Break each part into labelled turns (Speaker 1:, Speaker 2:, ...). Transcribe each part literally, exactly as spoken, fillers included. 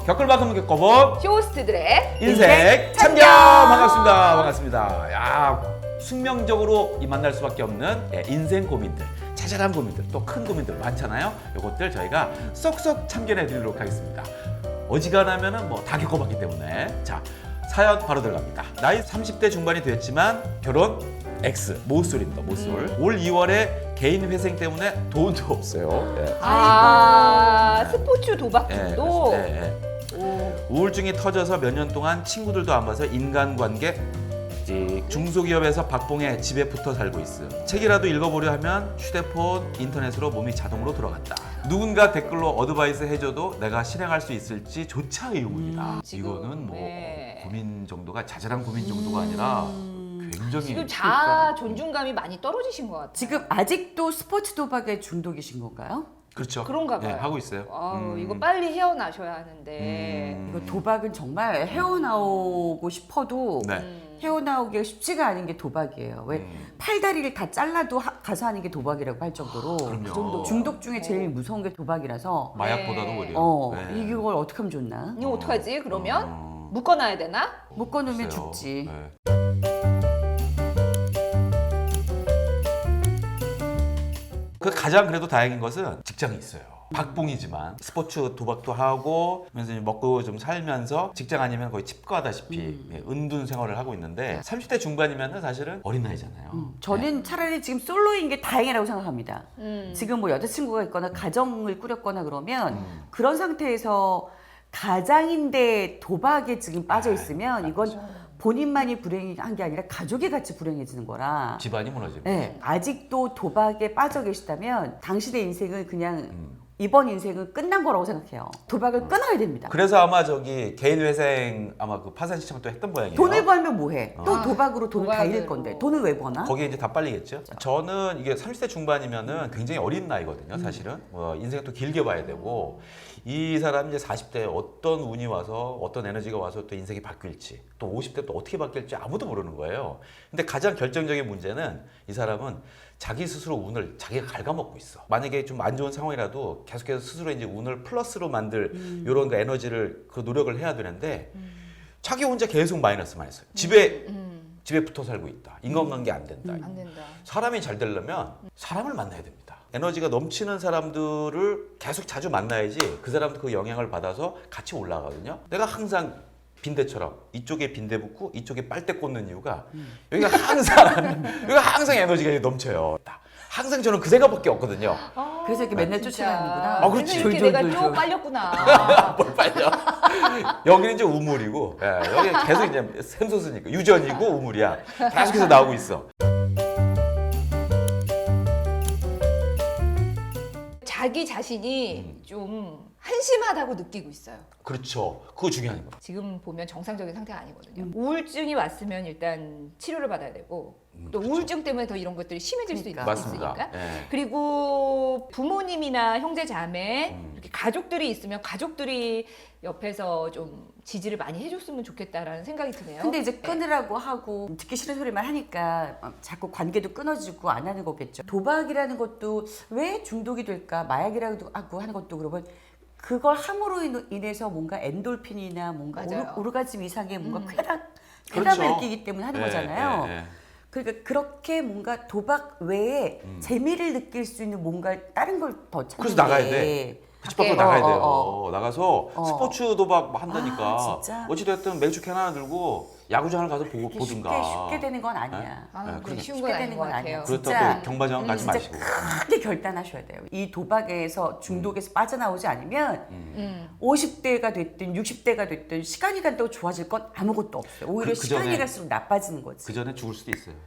Speaker 1: 겪을만큼 겪어본
Speaker 2: 쇼호스트들의
Speaker 1: 인생 참견!
Speaker 2: 참견!
Speaker 1: 반갑습니다. 반갑습니다. 야, 숙명적으로 이 만날 수밖에 없는 예, 인생 고민들, 자잘한 고민들, 또 큰 고민들 많잖아요. 이것들 저희가 쏙쏙 참견해 드리도록 하겠습니다. 어지간하면은 뭐 다 겪어봤기 때문에. 자, 사연 바로 들어갑니다. 나이 삼십 대 중반이 됐지만 결혼 X, 모쏠입니다. 모쏠.
Speaker 2: 음.
Speaker 1: 올 이월에 개인 회생 때문에 돈도 없어요. 예.
Speaker 2: 아 스포츠 도박
Speaker 1: 예,
Speaker 2: 중독.
Speaker 1: 그래서, 예, 예.
Speaker 2: 오.
Speaker 1: 우울증이 터져서 몇 년 동안 친구들도 안 봐서 인간관계 중소기업에서 박봉에 집에 붙어 살고 있음. 책이라도 읽어보려 하면 휴대폰, 인터넷으로 몸이 자동으로 돌아간다. 누군가 댓글로 어드바이스 해줘도 내가 실행할 수 있을지 조차 의문이다.
Speaker 2: 음, 지금,
Speaker 1: 이거는 뭐
Speaker 2: 네.
Speaker 1: 고민 정도가 자잘한 고민 정도가 아니라 굉장히
Speaker 2: 지금 자아 존중감이 많이 떨어지신 것 같아요.
Speaker 3: 지금 아직도 스포츠 도박에 중독이신 건가요?
Speaker 1: 그렇죠.
Speaker 2: 그런가 봐요.
Speaker 1: 네, 하고 있어요.
Speaker 2: 아우,
Speaker 1: 음.
Speaker 2: 이거 빨리 헤어나셔야 하는데.
Speaker 1: 음.
Speaker 3: 이거 도박은 정말 헤어나오고 싶어도
Speaker 1: 네.
Speaker 2: 음.
Speaker 3: 헤어나오기가 쉽지가 않은 게 도박이에요. 왜
Speaker 1: 음.
Speaker 3: 팔다리를 다 잘라도 하- 가서 하는 게 도박이라고 할 정도로
Speaker 1: 그럼요.
Speaker 2: 그 정도.
Speaker 3: 중독 중에 제일 무서운 게 도박이라서
Speaker 1: 마약보다도
Speaker 2: 네.
Speaker 1: 오히려.
Speaker 3: 어
Speaker 1: 네.
Speaker 3: 이걸 어떻게 하면 좋나?
Speaker 2: 이거 어떡하지? 그러면
Speaker 1: 어.
Speaker 2: 묶어놔야 되나?
Speaker 3: 묶어놓으면
Speaker 1: 글쎄요.
Speaker 3: 죽지.
Speaker 1: 네. 그 가장 그래도 다행인 것은 직장이 있어요. 박봉이지만 스포츠 도박도 하고 그래서 이제 먹고 좀 살면서 직장 아니면 거의 칩거하다시피
Speaker 3: 음.
Speaker 1: 예, 은둔 생활을 하고 있는데 삼십 대 중반이면 사실은 어린 나이잖아요.
Speaker 3: 음, 저는 차라리 지금 솔로인 게 다행이라고 생각합니다.
Speaker 2: 음.
Speaker 3: 지금 뭐 여자친구가 있거나 가정을 꾸렸거나 그러면
Speaker 1: 음.
Speaker 3: 그런 상태에서 가장인데 도박에 지금 빠져 있으면 이건 본인만이 불행한 게 아니라 가족이 같이 불행해지는 거라.
Speaker 1: 집안이 무너지고.
Speaker 3: 네, 아직도 도박에 빠져 계시다면 당신의 인생은 그냥
Speaker 1: 음.
Speaker 3: 이번 인생은 끝난 거라고 생각해요. 도박을 끊어야 됩니다.
Speaker 1: 그래서 아마 저기 개인 회생 아마 그 파산 신청을 또 했던 모양이에요.
Speaker 3: 돈을 벌면 뭐해? 또
Speaker 2: 아,
Speaker 3: 도박으로 돈을 다 잃을
Speaker 2: 도박으로.
Speaker 3: 건데 돈을 왜 버나?
Speaker 1: 거기에 이제 다 빨리겠죠. 저는 이게 삼십 대 중반이면은 굉장히 어린 나이거든요, 사실은. 어, 인생 또 길게 봐야 되고 이 사람이 이제 사십 대에 어떤 운이 와서 어떤 에너지가 와서 또 인생이 바뀔지 또 오십 대 또 어떻게 바뀔지 아무도 모르는 거예요. 근데 가장 결정적인 문제는 이 사람은 자기 스스로 운을 자기가 갉아먹고 있어. 만약에 좀 안 좋은 상황이라도 계속해서 스스로 이제 운을 플러스로 만들
Speaker 3: 음.
Speaker 1: 이런 그 에너지를 그 노력을 해야 되는데 자기 혼자 계속 마이너스만 했어요. 집에
Speaker 2: 음.
Speaker 1: 집에 붙어 살고 있다. 인간관계 안 된다.
Speaker 3: 음.
Speaker 2: 안 된다.
Speaker 1: 사람이 잘 되려면 사람을 만나야 됩니다. 에너지가 넘치는 사람들을 계속 자주 만나야지 그 사람도 그 영향을 받아서 같이 올라가거든요. 내가 항상 빈대처럼 이쪽에 빈대 붙고 이쪽에 빨대 꽂는 이유가 여기가 항상 여기가 항상 에너지가 넘쳐요. 항상 저는 그 생각밖에 없거든요.
Speaker 2: 아,
Speaker 3: 그래서 이렇게 맨날
Speaker 2: 진짜.
Speaker 3: 쫓아다니는구나.
Speaker 1: 아, 그렇지.
Speaker 2: 그래서 이렇게 내가 쭉
Speaker 3: 졸졸졸졸.
Speaker 2: 빨렸구나.
Speaker 1: 뭘 빨려? 여기는 이제 우물이고 예, 여기 계속 이제 샘솟으니까 유전이고 우물이야. 계속해서 나오고 있어.
Speaker 2: 자기 자신이
Speaker 1: 음.
Speaker 2: 좀 한심하다고 느끼고 있어요.
Speaker 1: 그렇죠. 그거 중요한 거.
Speaker 2: 지금 보면 정상적인 상태가 아니거든요.
Speaker 3: 음.
Speaker 2: 우울증이 왔으면 일단 치료를 받아야 되고
Speaker 1: 음,
Speaker 2: 또
Speaker 1: 그렇죠.
Speaker 2: 우울증 때문에 더 이런 것들이 심해질 수 있,
Speaker 3: 그러니까.
Speaker 1: 맞습니다.
Speaker 2: 있으니까.
Speaker 1: 예.
Speaker 2: 그리고 부모님이나 형제 자매
Speaker 1: 음.
Speaker 2: 이렇게 가족들이 있으면 가족들이 옆에서 좀 지지를 많이 해줬으면 좋겠다라는 생각이 드네요.
Speaker 3: 근데 이제
Speaker 2: 네.
Speaker 3: 끊으라고 하고 듣기 싫은 소리만 하니까 자꾸 관계도 끊어지고 안 하는 거겠죠. 도박이라는 것도 왜 중독이 될까? 마약이라고 하고 하는 것도 그러면 그걸 함으로 인- 인해서 뭔가 엔돌핀이나 뭔가
Speaker 2: 맞아요.
Speaker 3: 오르, 오르가즘 이상의 뭔가
Speaker 2: 음.
Speaker 3: 쾌락,
Speaker 1: 그렇죠.
Speaker 3: 쾌감을 느끼기 때문에 하는
Speaker 1: 예,
Speaker 3: 거잖아요.
Speaker 1: 예, 예.
Speaker 3: 그러니까 그렇게 뭔가 도박 외에
Speaker 1: 음.
Speaker 3: 재미를 느낄 수 있는 뭔가 다른 걸 더 찾는
Speaker 1: 그래서 나가야
Speaker 3: 게
Speaker 1: 돼. 그 집
Speaker 2: 밖에.
Speaker 1: 밖으로 나가야
Speaker 3: 어,
Speaker 1: 돼요.
Speaker 3: 어,
Speaker 1: 나가서
Speaker 3: 어.
Speaker 1: 스포츠 도박 뭐 한다니까.
Speaker 3: 아, 진짜?
Speaker 1: 어찌됐든 맥주 캔 하나 들고 야구장을 가서 보고
Speaker 3: 그렇게
Speaker 1: 보든가.
Speaker 3: 쉽게 쉽게 되는 건 아니야.
Speaker 2: 아,
Speaker 1: 네,
Speaker 2: 그게
Speaker 1: 그러니까.
Speaker 2: 쉬운
Speaker 3: 쉽게
Speaker 2: 건 아닌
Speaker 3: 되는
Speaker 2: 것
Speaker 3: 건
Speaker 2: 같아요.
Speaker 3: 아니야.
Speaker 1: 그렇다고
Speaker 3: 진짜.
Speaker 1: 또 경마장 가지
Speaker 2: 음,
Speaker 1: 마시고.
Speaker 3: 크게 결단하셔야 돼요. 이 도박에서 중독에서 빠져나오지 않으면
Speaker 2: 음.
Speaker 3: 오십 대가 됐든 육십 대가 됐든 시간이 간다고 좋아질 건 아무것도 없어요. 오히려
Speaker 1: 그- 그
Speaker 3: 시간이
Speaker 1: 전에-
Speaker 3: 갈수록 나빠지는 거지.
Speaker 1: 그 전에 죽을 수도 있어요.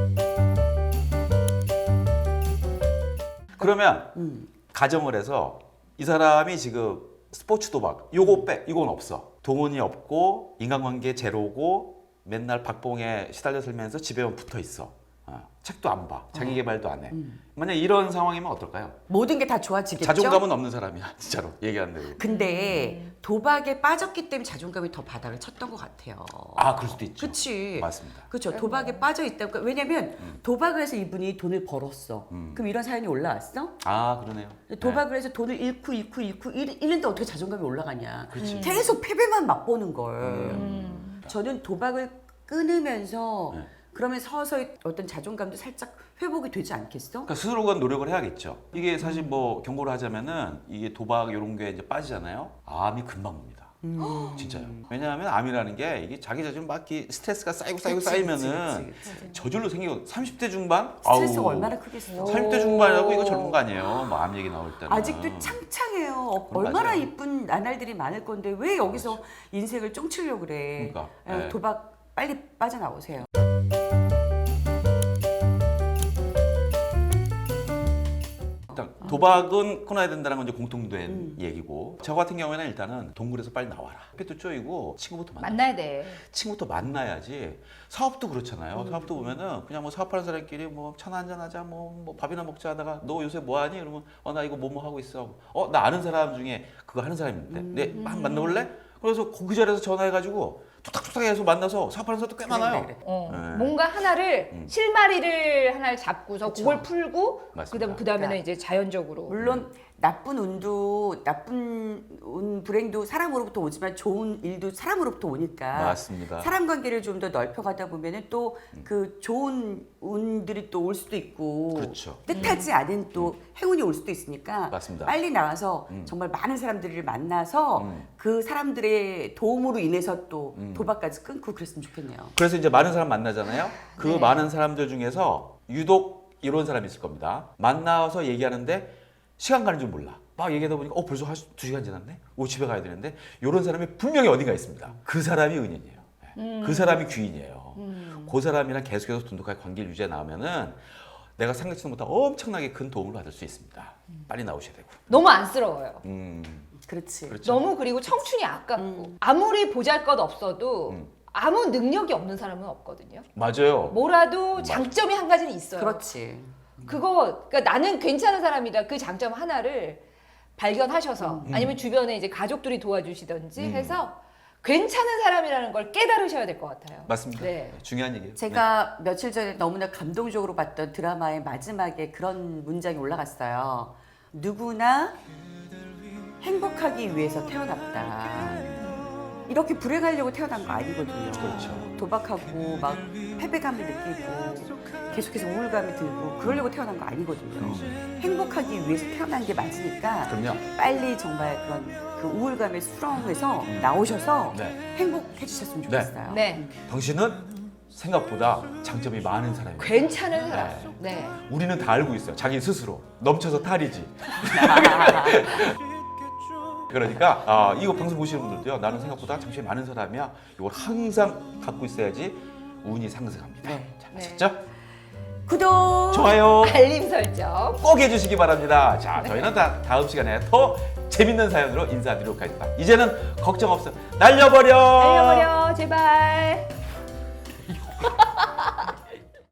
Speaker 1: 그러면
Speaker 3: 음.
Speaker 1: 가정을 해서 이 사람이 지금 스포츠 도박 요거 빼 이건 없어. 돈이 없고 인간관계 제로고 맨날 박봉에 시달려 살면서 집에만 붙어 있어. 어, 책도 안 봐. 자기 개발도 안 해.
Speaker 3: 음.
Speaker 1: 만약 이런 상황이면 어떨까요?
Speaker 3: 모든 게 다 좋아지겠죠.
Speaker 1: 자존감은 없는 사람이야, 진짜로 얘기하는 대로.
Speaker 3: 근데 도박에 빠졌기 때문에 자존감이 더 바닥을 쳤던 것 같아요.
Speaker 1: 아, 그럴 수도 있죠.
Speaker 3: 그치.
Speaker 1: 맞습니다.
Speaker 3: 그렇죠. 도박에 빠져 있다. 그러니까 왜냐면 도박을 해서 이분이 돈을 벌었어.
Speaker 1: 음.
Speaker 3: 그럼 이런 사연이 올라왔어?
Speaker 1: 아, 그러네요.
Speaker 3: 도박을 해서 돈을 잃고 잃고 잃고 잃- 잃는데 어떻게 자존감이 올라가냐.
Speaker 1: 그렇지.
Speaker 3: 계속 패배만 맛보는 걸.
Speaker 2: 음.
Speaker 3: 저는 도박을 끊으면서
Speaker 1: 네.
Speaker 3: 그러면 서서히 어떤 자존감도 살짝 회복이 되지 않겠어?
Speaker 1: 그러니까 스스로가 노력을 해야겠죠. 이게 사실 뭐 경고를 하자면은 이게 도박 이런 게 이제 빠지잖아요. 암이 금방 옵니다.
Speaker 3: 음.
Speaker 1: 진짜요. 왜냐하면 암이라는 게 이게 자기 자신 막 이렇게 스트레스가 쌓이고 쌓이고
Speaker 3: 그치,
Speaker 1: 쌓이면은
Speaker 3: 그치, 그치, 그치.
Speaker 1: 저절로 생기고 삼십 대 중반?
Speaker 3: 스트레스가
Speaker 1: 아우,
Speaker 3: 얼마나 크겠어.
Speaker 1: 삼십 대 중반이라고 이거 젊은 거 아니에요. 뭐 암 얘기 나올 때는.
Speaker 3: 아직도 창창해요. 어,
Speaker 1: 그건
Speaker 3: 얼마나
Speaker 1: 맞아요.
Speaker 3: 이쁜 나날들이 많을 건데 왜 여기서 인생을 쫑치려고 그래.
Speaker 1: 그러니까,
Speaker 3: 에,
Speaker 1: 네.
Speaker 3: 도박 빨리 빠져나오세요.
Speaker 1: 일단 도박은 끊어야 된다는 건 이제 공통된
Speaker 3: 음.
Speaker 1: 얘기고 저 같은 경우에는 일단은 동굴에서 빨리 나와라. 햇빛도 쪼이고 친구부터 만나.
Speaker 2: 만나야 돼.
Speaker 1: 친구부터 만나야지. 사업도 그렇잖아요.
Speaker 3: 음.
Speaker 1: 사업도 보면은 그냥 뭐 사업하는 사람끼리 뭐 차나 한잔 하자, 뭐, 뭐 밥이나 먹자 하다가 너 요새 뭐 하니? 그러면 어 나 이거 뭐 뭐 하고 있어. 어 나 아는 사람 중에 그거 하는 사람이 있는데.
Speaker 3: 음.
Speaker 1: 네, 막 만나볼래? 그래서 그 자리에서 전화해가지고 툭탁툭탁 해서 만나서 사업하는 사람도 꽤
Speaker 3: 그래,
Speaker 1: 많아요.
Speaker 3: 그래, 그래.
Speaker 2: 어,
Speaker 1: 네.
Speaker 2: 뭔가 하나를
Speaker 1: 음.
Speaker 2: 실마리를 하나를 잡고서
Speaker 3: 그쵸.
Speaker 2: 그걸 풀고
Speaker 1: 맞습니다.
Speaker 2: 그다음 그다음에는
Speaker 3: 그러니까
Speaker 2: 이제 자연적으로
Speaker 3: 물론 나쁜 운도 나쁜 운 불행도 사람으로부터 오지만 좋은 일도 사람으로부터 오니까
Speaker 1: 맞습니다.
Speaker 3: 사람 관계를 좀 더 넓혀가다 보면은 또
Speaker 1: 음.
Speaker 3: 그 좋은 운들이 또 올 수도 있고
Speaker 1: 그렇죠.
Speaker 3: 뜻하지 않은 또 행운이 올 수도 있으니까
Speaker 1: 맞습니다.
Speaker 3: 빨리 나와서
Speaker 1: 음.
Speaker 3: 정말 많은 사람들을 만나서
Speaker 1: 음.
Speaker 3: 그 사람들의 도움으로 인해서 또
Speaker 1: 음.
Speaker 3: 도박까지 끊고 그랬으면 좋겠네요.
Speaker 1: 그래서 이제 많은 사람 만나잖아요. 그
Speaker 2: 네.
Speaker 1: 많은 사람들 중에서 유독 이런 사람이 있을 겁니다. 만나서 얘기하는데 시간 가는 줄 몰라. 막 얘기하다 보니까 어 벌써 한 두 시간 지났네? 오 집에 가야 되는데 이런 사람이 분명히 어딘가 있습니다. 그 사람이 은인이에요.
Speaker 2: 음.
Speaker 1: 그 사람이 귀인이에요.
Speaker 2: 음.
Speaker 1: 그 사람이랑 계속해서 돈독하게 관계를 유지해 나오면은 내가 생각지도 못한 엄청나게 큰 도움을 받을 수 있습니다. 빨리 나오셔야 되고.
Speaker 2: 너무 안쓰러워요.
Speaker 1: 음,
Speaker 3: 그렇지.
Speaker 1: 그렇죠.
Speaker 2: 너무 그리고 청춘이 아깝고
Speaker 3: 음.
Speaker 2: 아무리 보잘것 없어도
Speaker 1: 음.
Speaker 2: 아무 능력이 없는 사람은 없거든요.
Speaker 1: 맞아요.
Speaker 2: 뭐라도
Speaker 1: 맞아.
Speaker 2: 장점이 한 가지는 있어요.
Speaker 3: 그렇지.
Speaker 2: 그거 그러니까 나는 괜찮은 사람이다. 그 장점 하나를 발견하셔서 아니면 주변에 이제 가족들이 도와주시든지
Speaker 1: 음.
Speaker 2: 해서 괜찮은 사람이라는 걸 깨달으셔야 될 것 같아요.
Speaker 1: 맞습니다.
Speaker 2: 네.
Speaker 1: 중요한 얘기예요.
Speaker 3: 제가 며칠 전에 너무나 감동적으로 봤던 드라마의 마지막에 그런 문장이 올라갔어요. 누구나 행복하기 위해서 태어났다. 이렇게 불행하려고 태어난 거 아니거든요.
Speaker 1: 그렇죠.
Speaker 3: 도박하고 막 패배감을 느끼고 계속해서 우울감이 들고 그러려고 태어난 거 아니거든요. 행복하기 위해서 태어난 게 맞으니까
Speaker 1: 그럼요.
Speaker 3: 빨리 정말 그런 그 우울감의 수렁에서 나오셔서
Speaker 1: 네.
Speaker 3: 행복해지셨으면
Speaker 1: 네.
Speaker 3: 좋겠어요.
Speaker 2: 네.
Speaker 1: 당신은 생각보다 장점이 많은 사람입니다.
Speaker 2: 괜찮은 사람. 네.
Speaker 1: 우리는 다 알고 있어요. 자기 스스로 넘쳐서 탈이지. 그러니까 아, 이거 방송 보시는 분들도요. 나는 생각보다 장점이 많은 사람이야. 이걸 항상 갖고 있어야지 운이 상승합니다.
Speaker 3: 네.
Speaker 1: 자,
Speaker 2: 네.
Speaker 1: 아셨죠?
Speaker 3: 구독!
Speaker 1: 좋아요.
Speaker 2: 알림 설정.
Speaker 1: 꼭 해주시기 바랍니다. 자, 저희는 다 다음 시간에 더 재밌는 사연으로 인사드리도록 하겠습니다. 이제는 걱정 없어. 날려버려.
Speaker 2: 알려버려 제발.